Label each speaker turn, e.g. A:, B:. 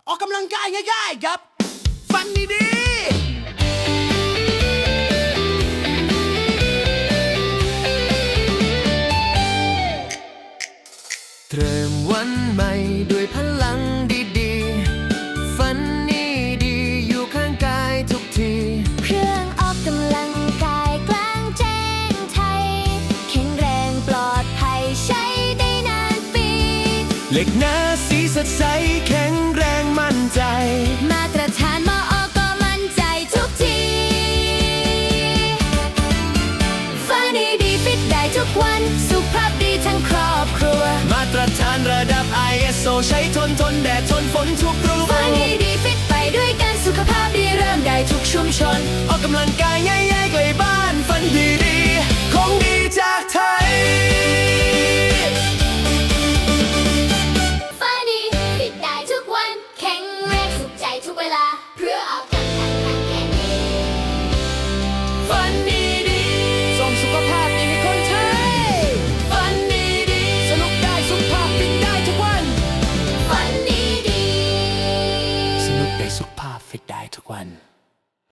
A: ออกกำลังกายง่ายๆครับฟันดี
B: เริ่มวันใหม่ด้วยพลังดีๆฝันนี้ดีอยู่ข้างกายทุกที
C: เครื่องออกกำลังกายกลางแจ้งไทยแข็งแรงปลอดภัยใช้ได้นานปี
B: เหล็กหน้าสีสดใสแข็งแรงมั่นใจ
C: มาตรฐานมอ.ก็มั่นใจทุกทีฝันดีฟิตได้ทุกวันสุขภาพดีทั้งครอบครัว
B: มาตรฐานระดับ ISO ใช้ทนแดดทนฝนทุกรู
C: ฝันดีฟิตไปด้วยกันสุขภาพดีเริ่มได้ทุกชุมชน
B: ออกกำลังกายง่ายๆใกล้บ้านฝันดีๆของดีจากไทย
C: ฝันดีฟิตได้ทุกวันแข็งแรงสุขใจทุกเวลาเพื่อออกกำลังกายแข็งแรง
B: ฝันดีๆส่งสุขภาพดีให้คนไทยฝันดีๆสนุกได้สุขภาพฟิตได้ทุกวัน
C: ฝันดี
B: สนุกได้สุขภาพฟิตได้ทุกวัน